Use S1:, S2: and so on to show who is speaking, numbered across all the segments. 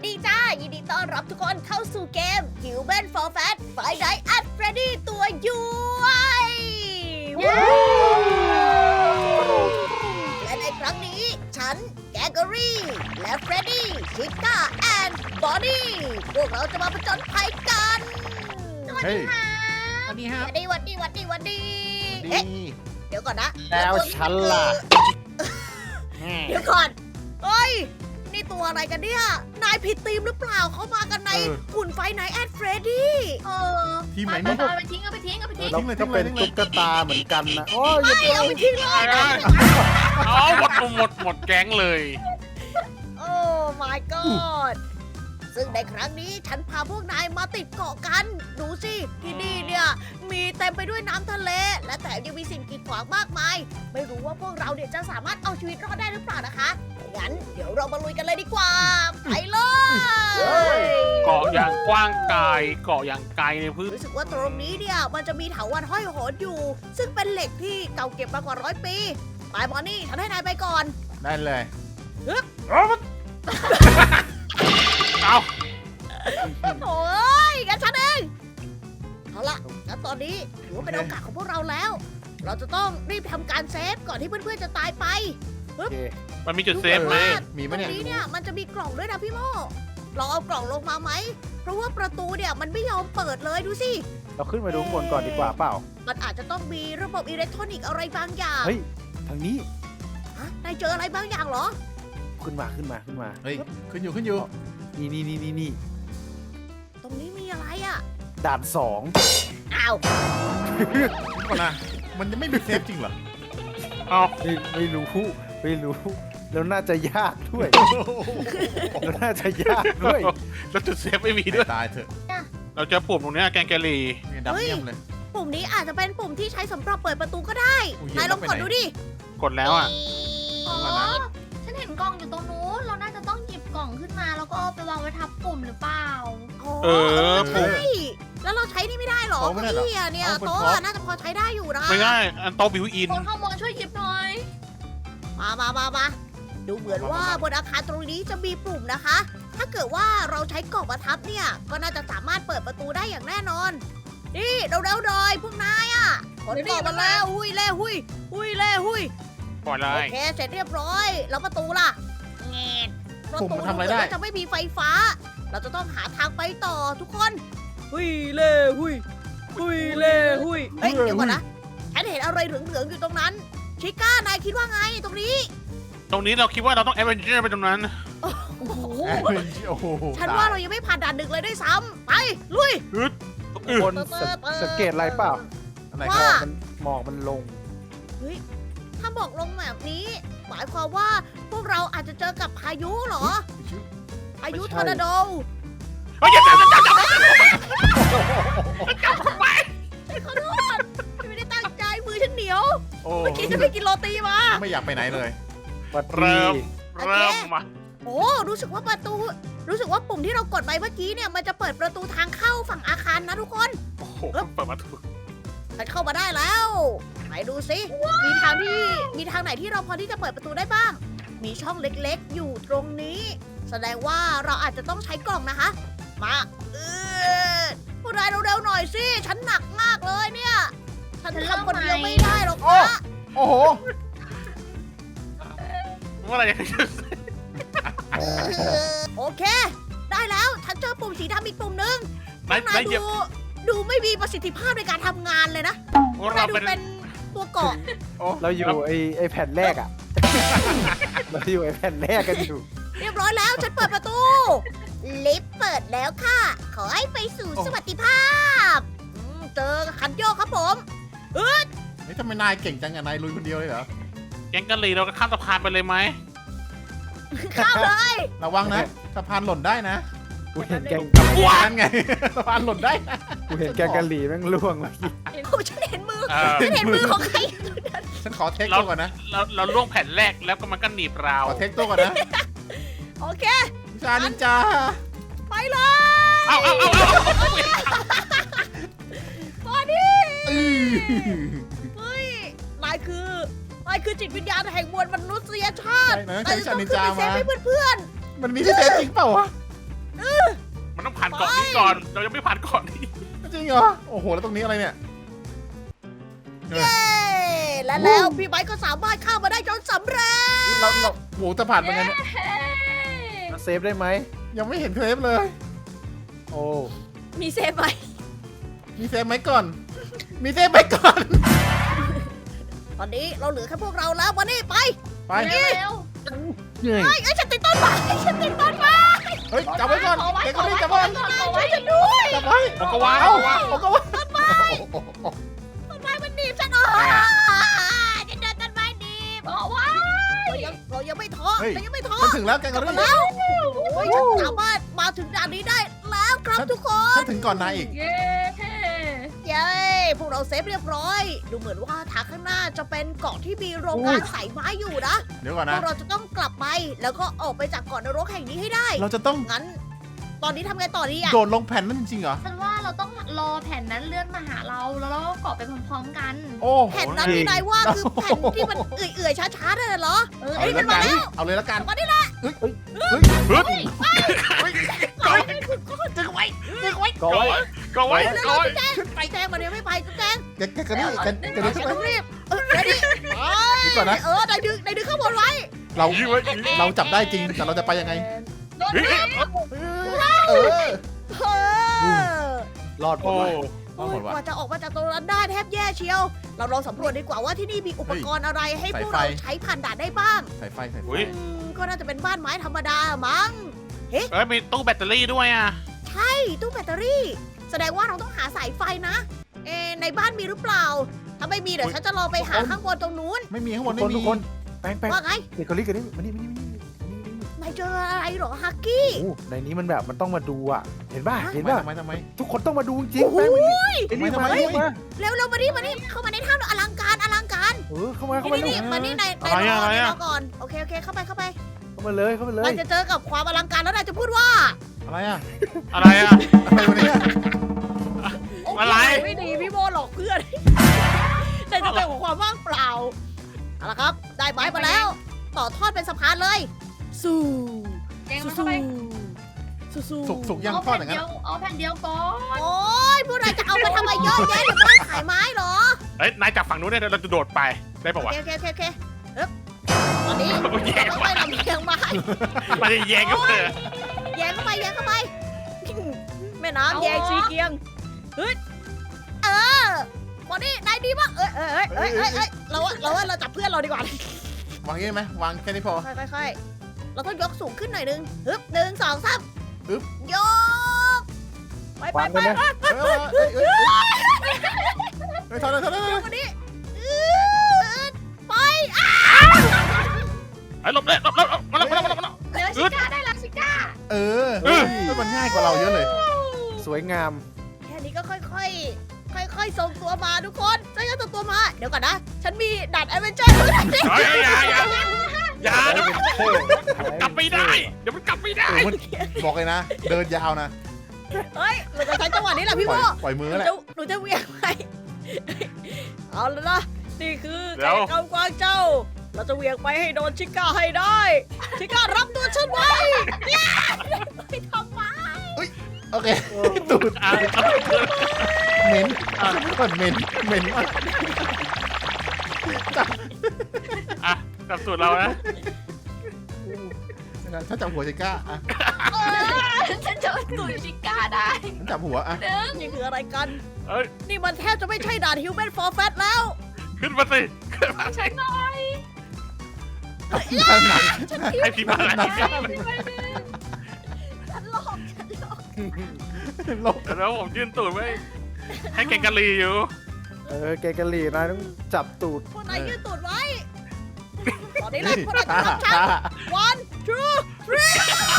S1: ดีจ้า ยินดีต้อนรับทุกคนเข้าสู่เกม Human for Fat Five Nights at Freddy ตัวย้วยและในครั้งนี้ ฉัน แกกอรี่ และเฟรดดี้ ชิก้า แอนด์บอนนี่ พวกเราจะมาผจญภัยกัน
S2: เฮ้ย
S3: สวัสดีครับ
S1: วันดี
S2: ดี
S1: เอ๊ะ เดี๋ยวก่อนนะ
S2: แล้วฉันล่ะ
S1: เดี๋ยวก่อนเฮ้ย นี่ตัวอะไรกันเนี่ย นายผิดธีมหรือเปล่า เขามากันในหุ่นไฟไนท์แอดเฟรดดี้
S2: ทีมไหน
S3: ไป
S2: นี่
S3: ไปไปทิ้งเอาไปทิ้งเอาไปทิ้ง
S2: เราก็เป็นตุ๊กตาเหมือนกันนะโอ้ย
S1: ไม่เอาไปทิ้งเลย
S4: เอาหมดแก๊งเลย
S1: โอ้ my god ซึ่งในครั้งนี้ฉันพาพวกนายมาติดเกาะกัน ดูสิ ที่นี่เนี่ยมีเต็มไปด้วยน้ำทะเล และแถมยังมีสิ่งกีดขวางมากมาย ไม่รู้ว่าพวกเราเนี่ยจะสามารถเอาชีวิตรอดได้หรือเปล่านะคะ งั้นเดี๋ยวเรามาลุยกันเลยดีกว่า ไปเลย
S4: เกาะอย่างกว้างไกลเกาะอย่างไกลในพื้น
S1: รู้สึกว่าตรงนี้เนี่ยมันจะมีเถาวัลย์ห้อยโหนอยู่ ซึ่งเป็นเหล็กที่เก่าเก็บมากว่า100 ปีไปมอนี่ฉันให้นายไปก่อน
S2: ได้เลย
S4: เอา
S1: โอ้ยงั้นฉันเองเอาละงั้นตอนนี้ถือว่าเป็นโอกาสของพวกเราแล้ว เราจะต้องรีบทำการเซฟก่อนที่เพื่อนๆจะตายไป
S2: โอเค
S4: มันมีจุดเซฟไหม
S2: มีไหม
S1: ตรง
S2: เนี่ย
S1: นี้เนี่ยมันจะมีกล่องด้วยนะพี่โมลองเอากล่องลงมาไหม เพราะว่าประตูเนี่ยมันไม่ยอมเปิดเลยดูสิ
S5: เราขึ้นมาดูข้างบนก่อนดีกว่าเปล่า
S1: มันอาจจะต้องมีระบบอิเล็กทรอนิกส์อะไรบางอย่าง
S5: เฮ้ย ทางนี้
S1: ฮะนายเจออะไรบางอย่างเหรอ
S5: ขึ้นมา
S2: เฮ้ยขึ้นอยู่
S5: นี่
S1: ตรงนี้มีอะไรอ่ะ
S5: ด่านสอง
S1: อ้าว
S2: ก่อนนะมันจะไม่มีเซฟจริงเหรอ
S4: เอา
S5: ไม่รู้ แล้วน่าจะยากด้วย แล้วน่าจะยากด้วย
S4: แล้วจุดเซฟไม่มีด้วย
S2: ตายเถอะ
S4: เราเจอปุ่มตรงเนี้ยแกงแกลลี่
S2: เนี่ยดำเยี่ยมเลย
S1: ปุ่มนี้อาจจะเป็นปุ่มที่ใช้สำหรับเปิดประตูก็ได้
S2: อุ๊ย
S1: นายลอง
S2: ไป
S1: ก
S2: ไหน
S1: ดดูดิ
S4: กดแล้วอ่ะ
S3: อ๋อฉันเห็นกล่องอยู่ตรงนู้น เราน่าจะต้องหยิบกล่องขึ้นมา แล้วก็เอาไปวางไว้ทับปุ่มหรือเปล่า
S4: เออ
S1: ใช่แล้วเราใช้นี่ไม่ได้เหรอ
S2: โต๊ะไม่ได้เหรอ
S1: เก้าอี้อะเนี่ย
S2: เอาบน
S1: โต๊ะ
S2: โต๊ะ
S1: อะน่าจะพอใช้ได้อยู่นะ
S4: ไม่ง่ายอันโตบิวอิน
S3: คนข้างบนช่วยหยิบหน่อย
S1: มาดูเหมือนว่าบนอาคารตรงนี้จะมีปุ่มนะคะ ถ้าเกิดว่าเราใช้กล่องประทับเนี่ย ก็น่าจะสามารถเปิดประตูได้อย่างแน่นอน นี่เร็วๆหน่อยพวกนายอ่ะกดกล่องมาแล้วหุยเล่หุย
S4: ปล่อยเล
S1: โอย เคเสร็จเรียบร้อย แล้วประตูล่ะแงดประ
S2: ปุ่ม
S1: ตู
S2: มันทำอะไรได้
S1: จะไม่มีไฟฟ้า เราจะต้องหาทางไปต่อทุกคนหุยเล่หุยเฮ้ยเดี๋ยวก่อนนะฉันเห็นอะไรเหลืองๆอยู่ตรงนั้น ชิก้านายคิดว่าไงตรงนี้
S4: ตรงนี้เราคิดว่าเราต้องแอดเวนเจอร์ไปตรงนั้น
S1: โอ้โห
S2: โอ้โห
S1: ฉันว่าเรายังไม่ผ่านด่านหนึ่งเลยด้วยซ้ำไปลุย
S5: คนสังเกตอะไรเปล่า
S2: อะไร
S1: ว่า
S2: ครับ
S5: หมอกมันลง
S1: ถ้าบอกลงแบบนี้ หมายความว่าพวกเราอาจจะเจอกับพายุเหรอ พายุทอร์นาโด
S4: เฮ้ยอย่าจับ
S1: ขอโทษไม่ได้ตั้งใจมือฉันเหนียว
S2: โอ้
S1: เมื่อกี้ฉันไปกินโรตีมา
S2: ไม่อยากไปไหนเลย
S5: วัด
S4: เริ่ม
S1: โอเค
S4: เริ่มมา
S1: โอ้รู้สึกว่าปุ่มที่เรากดไปเมื่อกี้เนี่ยมันจะเปิดประตูทางเข้าฝั่งอาคารนะทุกคน
S4: โอ้โหเปิดประตู
S1: ฉันเข้ามาได้แล้วไหนดูสิมีทางไหนที่เราพอที่จะเปิดประตูได้บ้าง มีช่องเล็กๆ อยู่ตรงนี้ แสดงว่าเราอาจจะต้องใช้กล่องนะคะ มาพวกนายเร็วๆหน่อยสิ ฉันหนักมากเลยเนี่ย ฉันทำคนเดียวไม่ได้หรอกนะ
S2: โอ้โห
S4: เมื่อไหรจะ
S1: โอเค ได้แล้ว ฉันเจอปุ่มสีดำอีกปุ่มนึง
S4: นาย
S1: นาย
S4: เหยียบ
S1: ดูไม่มีประสิทธิภาพในการทำงานเลยนะ
S4: เรา
S1: นายดู
S4: เป็น
S1: เป็นตัวเกาะ
S5: เราอยู่ไอ้แผ่นแรกอ่ะ เราอยู่ไอ้แผ่นแรกกันอยู่
S1: เรียบร้อยแล้ว ฉันเปิดประตู ลิฟต์เปิดแล้วค่ะ ขอให้ไปสู่สวัสดิภาพเจอคันโยกครับผม
S2: เฮ้ยทำไมนายเก่งจังอะนายลุยคนเดียวเลยเหรอ
S4: แกงกะหรี่เราก็ข้ามสะพานไปเลยไหม
S1: ข้ามเลย
S2: ระวังนะสะพานหล่นได้นะ
S5: กูเห็นแกง
S2: นั่นไง สะพานหล่นได้นะ
S5: กูเห็นแกงกะหรี่แม่งล่วงเมื่อกี้
S1: โอ้ฉันเห็นมือ
S4: เออ
S1: ฉันเห็นมือของใคร
S2: ฉันขอเทคตัวก่อนนะ
S4: เราล่วงแผ่นแรกแล้วก็มันก็หนีบเรา
S2: ขอเทคตัวก่อนนะ
S1: โอเค
S2: วิชานินจา
S1: ไปเลย
S4: เอา
S1: บอดี้
S2: อื้อ
S1: เฮ้ยนายคือจิตวิญญาณแห่งมวลมนุษยชาติ
S2: ใช่นะใช้วิชานินจา
S1: เซ
S2: มา
S1: ฟให้เพื่อน
S2: มันมีที่เซฟจริงเปล่าวะ
S1: ๆ
S4: มันต้องผ่านเกาะนี้ก่อน เรายังไม่ผ่านเกาะนี้
S2: จริงเหรอ โอ้โห แล้วตรงนี้อะไรเนี่ย
S1: เย้และแล้วพี่ไบค์ก็สามารถเข้ามาได้จนสำเร็จ
S2: เราโหจะผ่านไปไงเนี่ย
S5: เซฟได้ไหม
S2: ยังไม่เห็นเซฟเลย
S5: โอ้
S1: มีเซฟไหม
S2: มีเซฟไหมก่อน มีเซฟไหมก่อน
S1: ตอนนี้เราเหลือแค่พวกเราแล้ววันนี้ไป
S2: ไป
S3: เร็ว
S5: เหนื่อย
S1: เฮ้ยฉันติดต้นไม้ฉันติดต้นไม้
S2: เฮ้ย จับไว้ก่อน
S3: ขอไว้
S2: เด็ก
S3: ข
S2: ค
S3: อน
S2: นี้
S3: ไว้
S2: จับ
S3: ขอ
S2: ไว้
S3: ไว้ก่อนขอไว้
S1: ฉันด้วย
S2: จับไว้
S4: ผมก็ว่า
S2: เอ้า
S4: ผมก็ว่า
S2: ผมก็ว่า
S1: ต้นไม้มันหนีบฉันฉันเดินต้นไม้หนีบ
S3: บอกว่า
S1: เรายังไม่ท้อเรายังไม่ท้อ
S2: ฉันถึงแล้วแกง
S1: ก
S2: ก
S1: ลั
S2: อบ
S1: มา
S2: รี่
S1: แล้วโอ้ยฉันสามารถมาถึงด่านนี้ได้แล้วครับทุกคน
S2: ฉันถึงก่อนนายอีก
S3: เย้
S1: เย้พวกเราเซฟเรียบร้อย ดูเหมือนว่าทางข้างหน้าจะเป็นเกาะที่มีโรงงานใส่ไม้อยู่นะ
S2: เดี๋ยวก่อน
S1: พ
S2: นะ
S1: วกเราจะต้องกลับไปแล้วก็ออกไปจากเกาะนรกแห่งนี้ให้ได้
S2: เราจะต้อง
S1: งั้น ตอนนี้ทำไงต่อดีอ่ะ
S2: โดดลงแผ่นนั้นจริงๆเหรอ
S3: ฉันว่าเราต้องรอแผ่นนั้นเลื่อนมาหาเราแล้วเราก็เกาะไปพร้อมๆกัน
S2: โอ้
S1: แผ่นนั้นที่นายว่าคือแผ่นที่มันเอื่อยๆช้าๆนั่นน่ะเหรอ
S3: เออ
S2: เอาเลยละกันเอาเลยละกัน
S1: มาดิละ
S2: เฮ้ย
S4: ฮึบ
S1: ดึงไว้ดึงไว้
S5: ก้อย
S4: ก็ไว้
S1: เร็ว
S4: ก็ไว้
S1: ๆแจงไปแจงมาเดี๋ยวไม่ไปแจง
S2: แกกระดิ่งแกระดิ่ง
S1: ฉัน
S2: ใช่ไหม
S1: ต้องรีบเดี๋ยวดิ
S2: เดี๋ยวก่อนนะ
S1: นายดึงข้างบนไว้
S2: เรา
S4: ยื้อไว้
S2: เราจับได้จริง แต่เราจะไปยังไง
S3: โดน
S4: เฮ้ย
S2: เออ
S5: รอดหม
S4: โอ้
S5: ดเลย
S1: โอ้ยกว่าจะออกมาจากตรงนั้นได้แทบแย่เชียว เราลองสำรวจดีกว่าว่าที่นี่มีอุปกรณ์อะไรให้พวกเราใช้ผ่านด่านได้บ้าง
S2: สายไฟสายไฟ
S4: อุ้ย
S1: ก็น่าจะเป็นบ้านไม้ธรรมดามั้ง
S4: เอ้ยมีตู้แบตเตอรี่ด้วยอ่ะ
S1: ใช่ตู้แบตเตอรี่ แสดงว่าเราต้องหาสายไฟนะ ในบ้านมีหรือเปล่า ถ้าไม่มีเดี๋ยวฉันจะลองไปหาข้างบนตรงนู้น
S2: ไม่มีข้างบน
S5: ทุก
S2: ไม่
S5: คน
S2: มี
S5: ทุกคนแป้งแป้ง
S1: ว่าไง
S5: เด็กเกาหลีกันนี่มานี่
S1: นายเจออะไรเหรอฮักกี้
S5: โอ้ในนี้มันแบบมันต้องมาดูอ่ะ เห็นป่ะ เห็น
S2: ทำ
S5: ป่ะ
S2: ไมทำไม
S5: ทุกคนต้องมาดูจริง
S1: โอ้โห
S5: แป้งมันนี่
S2: ทำไม
S5: มา
S2: ทำไม
S5: มา
S1: เร็วมานี่เข้ามาในถ้ำอลังการ
S5: เข้ามาเข้ามา
S1: นี่มานี่ในรอก่อน โอเคเข้าไป
S5: เข้ามาเลยเข้ามาเลย
S1: นายจะเจอกับความอลังการแล้วนายจะพูดว่า
S2: อะไรอ่ะ
S4: อะไรอ่ะ
S2: อะไรวะเนี่ย
S4: อะไร
S1: ไม่ดีพี่โมหลอกเพื่อน แต่จะเจอกับความว่างเปล่าเอาละครับ ได้ไม้มาแล้ว ต่อทอดเป็นสะพานเลย สู้
S3: แจงมันเข้าไป
S1: สู้
S2: สุกยังทอดอย่างนั้น
S3: เอาแผ่นเดียวก่อน
S1: โอ้ยพวกนายจะเอาไปทำไมเยอะแยะหรือบ้านขายไม้เหรอ
S4: เฮ้ย นายจับฝั่งนู้นได้เราจะโดดไป ได้
S1: โอ
S4: ปะวะ
S1: เคอึ๊บตอนนี้
S4: โอ้ยแย่
S1: เรา
S4: ว่ะ
S1: ไปลำเลียงไม้
S4: มันจะแย่งกันเลย
S1: แยงเข้าไปแม่น้ำแยงชีเกียงเฮ้ยวันนี้นายดีมากเราจับเพื่อนเราดีกว่า
S2: วางงี้ไหมวางแค่นี้พอ
S1: ค่อยๆ เราต้องยกสูงขึ้นหน่อยนึงฮึบ1 2 3
S2: ฮึบ
S1: ยกไป
S5: วางกันนะ
S2: เฮ้ยทอดเลย
S1: วันนี้ ไป
S4: ไอ้หลบเลยหลบมาแล้ว
S3: เหลือชิก้าได้แล้วชิก้า
S2: เออมันง่ายกว่าเราเยอะเลย
S5: สวยงาม
S1: แค่นี้ก็ค่อยๆส่งตัวมาทุกคนฉันจะส่งตัวมา เดี๋ยวก่อนนะ ฉันมีดัดแอดเวนเจอร์ด้วย
S4: เฮ้ยอย่าเดี๋ยวมันกลับไม่ได้ เดี๋ยวมันกลับไม่ได้
S2: บอกเลยนะ เดินยาวนะ
S1: เฮ้ยเราจะใช้จังหวะนี้แหละพี่โม
S2: ปล่อยมือ
S1: หนู
S2: แหละ
S1: จะเวียงไปเอาแล้วนะ นี่คือ
S4: เดี๋ยว
S1: กำกวางเจ้า เราจะเวียงไปให้โดนชิก้าให้ได้ ชิก้ารับตัวฉันไว้เนี่ยไม่ทำไม
S2: โอเคตูด
S4: อ่ะ
S2: เหม็นเหม็นมาก
S4: อ่ะกลับสูตรเรานะ
S2: ถ้าจับหัวจะกล้าอ่ะ
S3: ฉันจะตุยชิก้าได้
S2: ฉันจับหัวอ่ะ
S1: นี่คืออะไรกัน
S4: เอ้ย
S1: นี่มันแทบจะไม่ใช่ด่าน Human for Fat แล้ว
S4: ขึ้นมาสิขึ้นมาใช่
S1: ฉัน
S4: ให้พี่มาแล้ว
S1: ฉันหลอก
S2: ลบ
S4: แล้วผมยื่นตูดไว้ให้แกงกะลีอยู่
S5: แกกะหรี่นะต้องจับตูด
S1: พวกนายยืดตูดไว้ ตอนนี้แหละพวกนายจะรับฉัน one two three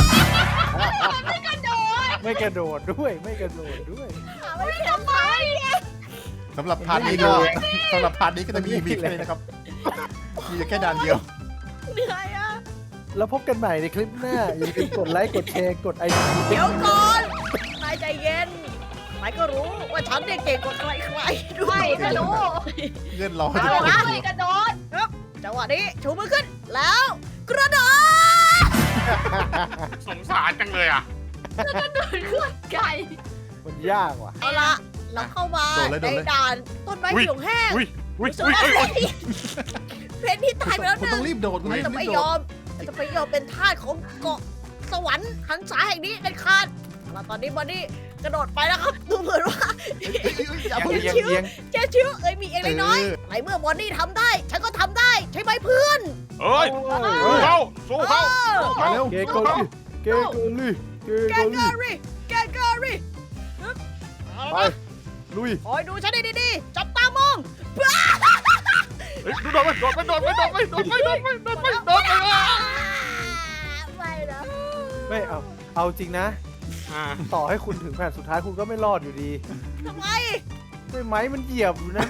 S5: ไม่กระโดดด้วยไม่กระโดดด้วย
S1: ไม่ทำไม
S2: สำหรับพาร์ทนี้ก็จะมีแค่นี้นะครับ มีแค่ด่านเดียว
S1: เหนื่อยอ่ะ
S5: แล้วพบกันใหม่ในคลิปหน้า อย่าลืมกดไลค์กดแชร์กดไอจี
S1: เดี๋ยวก่อน นายใจเย็น นายก็รู้ว่าฉันเนี่ยเก่งกว่าใครๆด้ว
S3: ไม่
S1: ย
S3: ถ้ารู้
S2: เงื่อนรอ
S1: เอา
S2: จะ
S1: ละ
S3: ช่วยกระโดด
S1: จังหวะนี้ชูมือขึ้น แล้ว กระโดด
S4: สงสารจังเลยอ่ะ
S3: โดนขวดไก่
S5: มันยากว่ะ
S1: เอาละเราเข้ามาในด่านต้นไม้เขียวแห้ง
S4: อุ้ย
S1: รู้สึกว่าเพนที่ตายไปแล้ว
S2: คุณ
S1: นะ
S2: ต้องรีบโดดคุณ
S1: มัน
S2: รีบ
S1: จะไม่
S2: โด
S1: ยอ
S2: ด
S1: มมันจะไม่ยอมเป็นทาสของเกาะสวรรค์หันษาแห่งนี้เด็ดขาดเอาล่ะตอนนี้บอนนี่กระโดดไปแล้วครับดูเหมือนว่า
S2: อย่าเพิ่ง
S5: เอียง
S1: ชิว
S5: เอียง
S1: เจ๊ชิวเอ้ยมีเองน้อยๆในเมื่อบอนนี่ทำได้ ฉันก็ทำได้ใช่ไหมเพื่อน
S4: เอ้ยสู้เขาสู้เขา
S2: มาเร็ว
S5: เกโกลี่เกโกลี่เก
S1: แก
S5: โก
S1: เก
S5: ลี่
S1: อรี่แกเกอรี่
S5: ไปลุย
S1: คอยดูฉันดีๆจับตามอง
S4: เฮ้ยโดดไปโดดไปโดดไปโดดไปโดดไปโดดไปโดดไปโดดไป
S1: ไม่นะ
S5: ไม่เอาจริงนะ ต่อให้คุณถึงแผ่นสุดท้ายคุณก็ไม่รอดอยู่ดี
S1: ทำไม
S5: ด้วยไม้มันเหยียบอยู่นะ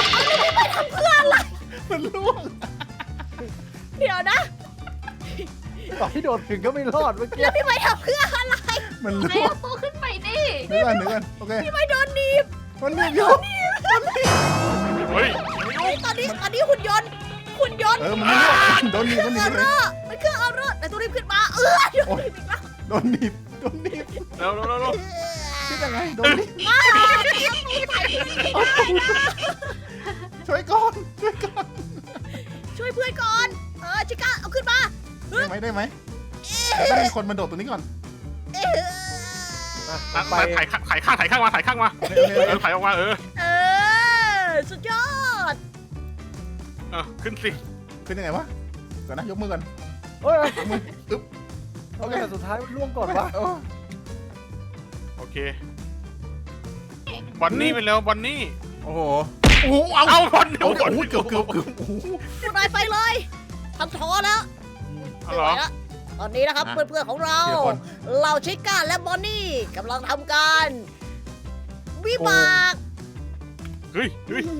S2: มันล่วง
S1: เดี๋ยวนะ
S5: ต่อให้โดดถึงก็ไม่รอดเมื่อกี้
S1: แล้วพี่ไม่ทำเพื่ออะไร
S2: มัน
S3: ไหน
S2: ล่วง
S3: เอาตัวขึ้นไปดิ
S2: เดี๋ยวก่อนโอเค
S1: พี่ไม่โดนหนีบ
S2: มันรีบโยน
S4: เฮ้ย
S1: ตอนนี้หุ่นยนต์มันไม่ล่วงโดนหนีบ
S2: มัน
S1: เครื่อง
S2: เลย
S1: มันเครื่องเอารถแต่ตัวรีบขึ้นมาโดนหนีบอีกแล้ว
S2: โดนหนีบ
S4: เร็วเร็วเร็วเร็ว
S2: คิดยังไงโดนหนีบช่วยก่อน
S1: ช่วยเพื่อนก่อนชิก้าเอาขึ้นมา
S2: ได้ไหมต้องมีคนมาโดดตัวนี้ก่อน
S5: มาไป
S4: ถ่ายข้างมาถ่ายข้างมา
S2: โอเค
S4: ถ่ายออกมา
S1: สุดยอด
S4: ขึ้นสิ
S2: ขึ้นยังไงวะก่อนนะยกมือก่อน
S5: เฮ้ย
S2: อึ๊บ
S5: โอเคสุดท้ายมันล่วงก่อนวะ
S4: โอเคบอนนี่ไปแล้วบอนนี่
S2: โอ้โหโอ้โหเอา
S4: เอาบอนนี่
S2: โอ้โหเกือบโอ้โห
S1: คุณนายไปเลยทำท้อแล้ว
S4: เอาเหรอ
S1: ตอนนี้นะครับเพื่อนๆของเรา
S2: ทีละคน
S1: เราชิก้าและบอนนี่กำลังทำการวิบาก
S4: เฮ้ยเฮ้ย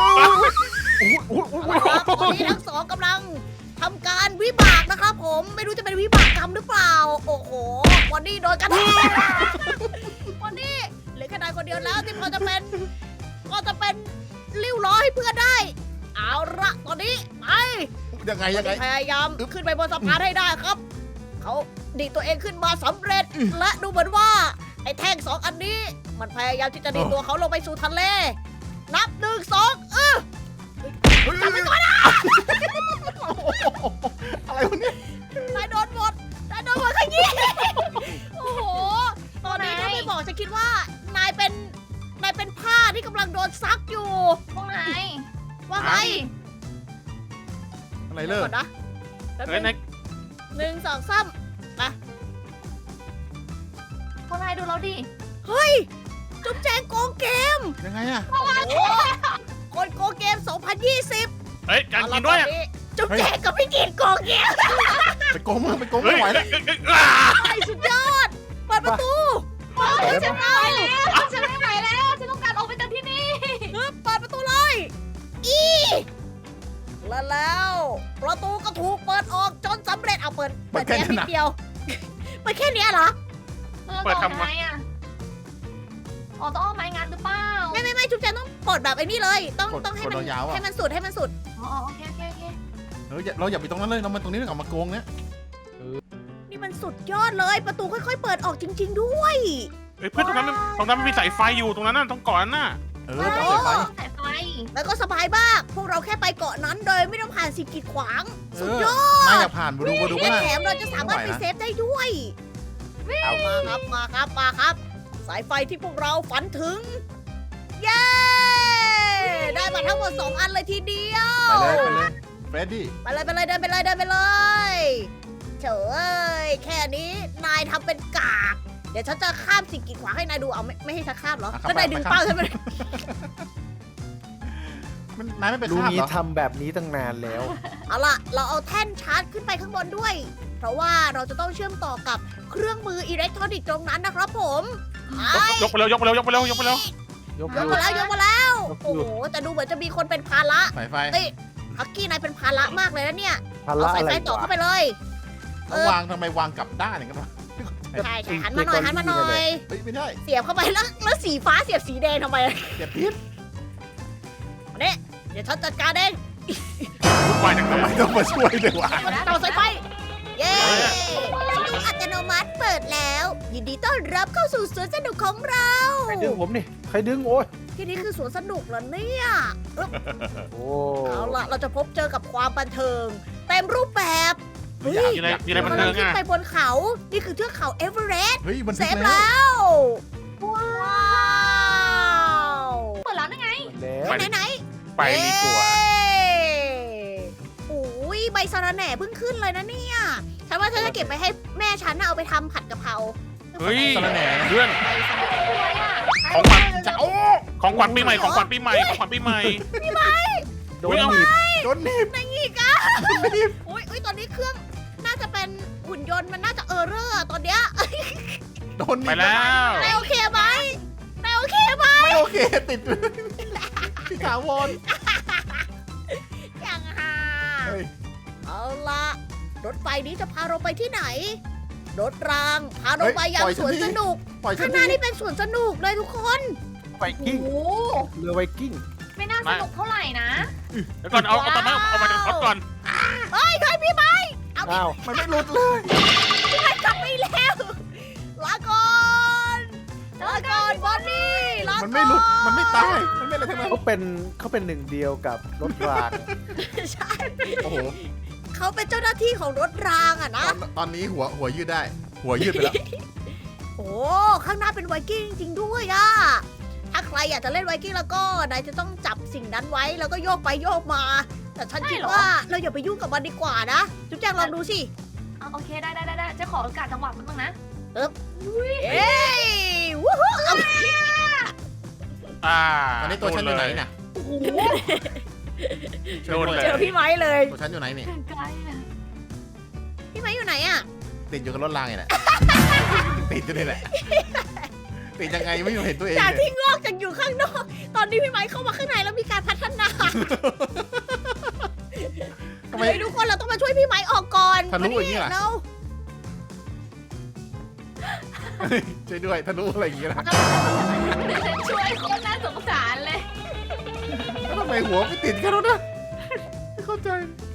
S1: เอาละครับตอนนี้ทั้งสองกำลังทำการวิบากนะครับผมไม่รู้จะเป็นวิบากกรรมหรือเปล่า โอ้โหบอนนี่โดนกันบอนนี่เหลือแค่นายคนเดียวแล้วที่พอจะเป็นริ้วล้อให้เพื่อนได้ เอาละตอนนี้ไป
S2: ยังไง
S1: พยายามขึ้นไปบนสะพานให้ได้ครับ เขาดีดตัวเองขึ้นมาสำเร็จ และดูเหมือนว่า ไอ้แท่งสองอันนี้ มันพยายามที่จะดีดตัวเขาลงไปสู่ทะเล นับ1 2จับไปก่อนนะ
S2: อะไรวะเนี่ย
S1: นายโดนหมดขยี้โอ้โห ตอนนี้ถ้าไม่บอกจะคิดว่านายเป็นผ้าที่กำลังโดนซักอยู่
S3: พวกนาย
S1: ว่าไง
S2: อะไรเลิก
S1: ก่อนนะแป๊บ
S4: เฮ้ย
S1: นึ
S4: นาย
S1: ง1 2 3
S3: พวกนายดูเราดิ
S1: เฮ้ย จุ๊บแจงโกงเกม
S2: ยังไงอะ
S1: โอ้โหคนโกงเกม 2020
S4: เฮ้ยการกินด้วยอ่ะ
S1: จุ๊บแจงกับพี่กินโกงเกม
S2: ไปโกงมือไปโกง
S4: เฮ้
S2: ไม่
S4: ย
S2: ไหวแล้ว
S1: ไอ้สุดยอด เปิดประตู
S3: ฉันไม่ไหวแล้วฉันไม่ไหวแล้วฉันต้องการออกไปจากที่นี่
S1: เปิดประตูเลย แล้วประตูก็ถูกเปิดออกจนสำเร็จเอาเปิดแค่นิดเดียวเปิดแค่เนี้ยเหรอ
S3: เปิดทำไมอ่ะอ๋อต้องเอาไม้งานหรือเปล่า
S1: ไม่จุ๊บแจงต้องเปิดแบบไอ้นี่เลย ต้องให้
S2: กด
S1: มัน
S2: ยาวๆ
S1: ให้
S2: อ่ะ
S1: มันสุดให้มันสุด
S3: อ๋อโอเค
S2: เราอย่าไปตรงนั้นเลยเรามาตรงนี้ก่อนมาโกงเนี้ย
S1: นี่มันสุดยอดเลย ประตูค่อยๆ เปิดออกจริง ๆ ด้วย
S4: เฮ้ยเพื่อนตรงนั้นมันมีสายไฟอยู่ตรงนั้นน่ะต้องก่อนน่ะ
S2: ต้องใส่ไฟ
S3: สายไฟ
S1: แล้วก็สบายมาก พวกเราแค่ไปเกาะนั้นโดยไม่ต้องผ่านสิ่งกีดขวาง สุดยอด
S2: น่าอยากผ่านมาดู
S1: และ
S2: ว่า
S1: แถมเราจะสามารถไปเซฟได้ด้วยมาครับ สายไฟที่พวกเราฝันถึง เย้ ได้มาทั้งหมด 2 อันเลยทีเดียว
S2: เฟรดดี้
S1: ไปเลยเดินไปเลยเฉยแค่นี้นายทำเป็นกาก เดี๋ยวฉันจะข้ามสิ่งกีดขวางให้นายดูเอาไม่ให้ฉันข้ามเหรอก็นายดึงเป้าฉันไปเลย
S2: นายไม่ไป
S5: ลุง
S2: ข้าม
S5: นี้
S2: เหรอ
S5: ทำแบบนี้ตั้งนานแล้ว
S1: เอาล่ะ เราเอาแท่นชาร์จขึ้นไปข้างบนด้วย เพราะว่าเราจะต้องเชื่อมต่อกับเครื่องมืออิเล็กทรอนิกส์ตรงนั้นนะครับผมไป
S4: ยกไปเร็วยกไปเร็วยกไปเร็วยกไปเร็วย
S5: ก
S1: ยกมาแล้ว โอ้โห แต่ดูเหมือนจะมีคนเป็นภาระ
S2: สายไฟ
S1: ฮักกี้นายเป็นภาระมากเลยนะเนี่ย
S5: ภา
S1: เอา
S5: ระ
S1: สาย
S5: อะไร
S1: ไฟต่อ
S5: วะ
S1: เข้าไปเลย
S2: แล้ววางทำไมวางกลับด้านอย่างนั้นวะ
S1: ใช่หันมาหน่อย
S2: เฮ้ยไม่ได้
S1: เสียบเข้าไปแล้วสีฟ้าเสียบสีแดงทำไม
S2: เก็บพิษ
S1: เนี่ยเดี๋ยวฉันจัดการเอง
S4: วุ่นวายจังเล
S2: ทำไม
S4: ย
S2: ต้องมาช่วยด้วยวะ
S1: ต่อสายไฟ เย้สุดยตูอัตโนมัติเปิดแล้ว ยินดีต้อนรับเข้าสู่สวนสนุกของเรา
S5: ใครดึงผมนี่ใครดึงโอ้ย
S1: ที่นี่คือสวนสนุกเหรอเนี่ยอึ๊บ
S5: โอ้
S1: เอาล่ะเราจะพบเจอกับความบันเทิงเต็มรูปแบบเฮ้ย
S4: มีอะไรบันเทิง
S1: ขึ้น
S4: อ่ะ
S1: ไปบนเขา นี่คือเทือกเขาเอเวอเรสต์
S2: เฮ้ยมัน
S1: เซ
S2: ถึง
S1: ฟ
S2: แล้ว
S1: แล้ว ว้าว
S3: เปิดแล้วนั่นไง
S5: แล้ว
S4: ไป
S1: ไหน
S4: ไปดีกว่า
S1: โอ้ยใบสะระแหน่เพิ่งขึ้นเลยนะเนี่ย ฉันว่าฉันจะเก็บไปให้แม่ฉันน่ะเอาไปทำผัดกะเพรา
S4: เฮ้ย
S2: สะระแหน่
S4: เพื่อน
S1: ใบสะระแหน่
S4: ของขวัญ
S2: จะโอ้
S4: ของขวัญปีใหม่ของขวัญปีใหม่ของขวัญปีใหม่
S5: โดนหนีบ
S2: โดนหนีบ
S1: นายอีกอ่ะอุ้ยตอนนี้เครื่องน่าจะเป็นหุ่นยนต์มันน่าจะเออร์เรอร์ตอนเนี้ย
S2: โดนหนีบ
S4: ไปแล้ว
S1: นายโอเคไหมนายโอเคไหม
S2: ไม่โอเคติดพี่ถาวร
S1: อย่างห่า
S2: เฮ้ย
S1: เอาละรถไฟนี้จะพาเราไปที่ไหน รถรางพาเราไปยังสวนสนุก
S2: ปล่อยฉั
S1: ข้าน งหน้า
S2: ที
S1: นี่เป็นสวนสนุกเลยทุกคน
S5: ไวกิ้ง
S3: โอ้
S5: เรือไวกิ้ง
S3: ไม่น่าสนุกเท่าไหร่นะ
S4: เดี๋ยวก่อนเอาตอนนั้นเอามาจากรถก่อน
S1: เฮ้ยพี่ไม้เอาพี่
S5: อ้าว
S2: มันไม่หลุดเลย
S1: ไม้กลับไปแล้วลาก่อนบอนนี่ลาก่อน
S2: มันไม่หลุดมันไม่ตายมันไม่อะไรทั้งนั้น
S5: เขาเป็นหนึ่งเดียวกับรถราง
S1: ใช่
S2: โอ้โห
S1: เขาเป็นเจ้าหน้าที่ของรถรางอะนะ
S2: ตอนนี้หัวยืดได้ หัวยืดไปแล้ว
S1: โอ้ข้างหน้าเป็นไวกิ้งจริงๆด้วยอะถ้าใครอยากจะเล่นไวกิ้งแล้วก็นายจะต้องจับสิ่งนั้นไว้แล้วก็โยกไปโยกมา แต่ฉันคิดว่าเราอย่าไปยุ่งกับมันดีกว่านะจุ๊บแจงลองดูสิ
S3: เอาโอเคได้จะขอโอกาสจังหวะแป๊บนึงนะ
S1: เอ้ยวู้ฮู้เอา
S2: ตอนนี้ตัวฉันอยู่ไหนน่ะ
S3: โอ้โห
S2: ช่วยด้วย
S1: เจอพี่ไม้เลย
S2: ตัวฉันอยู่ไหนนี่
S3: ไกลอะ
S1: พี่ไม้อยู่ไหนอะ
S2: ติดอยู่กับรถรางไงแหละ ติดอยู่นี่แหละ ติดยังไงไม่เห็นตัวเอง
S1: จาก
S2: เลย
S1: ที่งอกจากอยู่ข้างนอก ตอนนี้พี่ไม้เข้ามาข้างในแล้วมีการพัฒนา
S2: ทำไม
S1: เฮ้ยทุกคนเราต้องมาช่วยพี่ไม้ออกก่อน
S2: ทะลุอย่างนี้เหรอ
S1: เรา
S2: ช่วยด้วยทะลุอะไรอย่างเงี้ยนะ
S3: ช่วยคนน่าสงสารเลย
S2: แล้วทำไมหัวไม่ติดกันแล้วนะไม่เข้าใจ